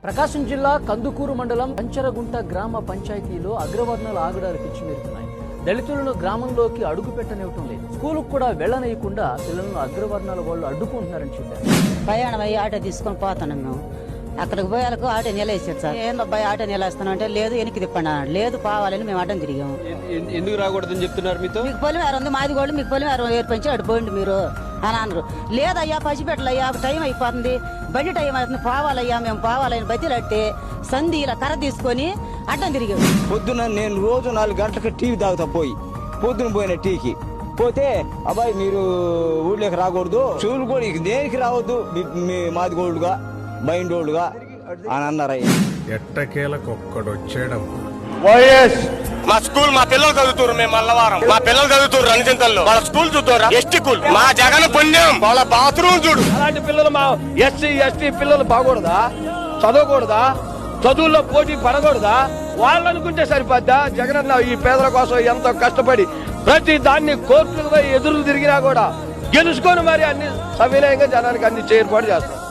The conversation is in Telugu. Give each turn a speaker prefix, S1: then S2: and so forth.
S1: ప్రకాశం జిల్లా కందుకూరు మండలం పంచరగుంట గ్రామ పంచాయతీలో అగ్రవర్ణాల ఆగడాలు పిచ్చిమెరుతున్నాయి. దళితులను గ్రామంలోకి అడుగు పెట్టనివ్వటం లేదు. స్కూలుకు కూడా వెళ్లనీయకుండా పిల్లలను అగ్రవర్ణాల వాళ్ళు అడ్డుకుంటున్నారని చెప్పారు.
S2: ప్రయాణం అయ్యి ఆటో తీసుకొని పోతున్నాం. మేము అక్కడికి పోయాలకు ఆటో నిలేసారు సార్. ఏందబ్బాయి ఆటో నిలేస్తాను అంటే లేదు వెనక్కి తిప్పండి అన్నాడు. లేదు కావాలని మేము అడ్డం తిరిగాము.
S3: ఎందుకు రాకూడదని చెప్తున్నారు మీతో?
S2: మీకు పొలిమేర ఉంది, మాది కూడా మీకు పొలిమేర ఏర్పంచి అడిపోయింది మీరు అని అన్నారు. లేదయ్యా పసిపెట్టలయ్యా టైం అయిపోతుంది, బండి టైం అవుతుంది, పోవాలయ్యా మేము పోవాలని బతిలట్టే సంధి ఇలా కర్ర తీసుకొని అడ్డం తిరిగాము.
S4: పొద్దున నేను రోజు 4 గంటలకు టీవీ తాగుతా పొద్దున పోయిన టీకి పోతే అబ్బాయి మీరు ఊళ్ళోకి రాకూడదు, చెవులు కూడా దేనికి రావద్దు, మాది గోల్డ్గా మైండోల్డ్గా అని అన్నారయ్య.
S5: ఎట్టకేలకొక్కడొచ్చేయడం
S6: వైఎస్ మా స్కూల్ మా పిల్లలు చదువుతారు. మేము మల్లవారం మా పిల్లలు చదువుతారు రణచింతల్లో. వాళ్ళ స్కూల్ చూద్దారా ఎస్టీ స్కూల్. మా జగన్ పుణ్యం వాళ్ళ బాత్రూమ్ చూడు.
S3: అలాంటి పిల్లలు మా ఎస్సీ ఎస్టీ పిల్లలు బాగూడదా? చదవకూడదా? చదువుల్లో పోటీ పడకూడదా? వాళ్ళు అనుకుంటే సరిపోద్దా? జగన్ ఈ పేదల కోసం ఎంతో కష్టపడి ప్రతి దాన్ని కోర్టులకు ఎదురు తిరిగినా కూడా గెలుచుకొని మరి అన్ని సవినయంగా జనానికి అన్ని ఏర్పాటు చేస్తాం.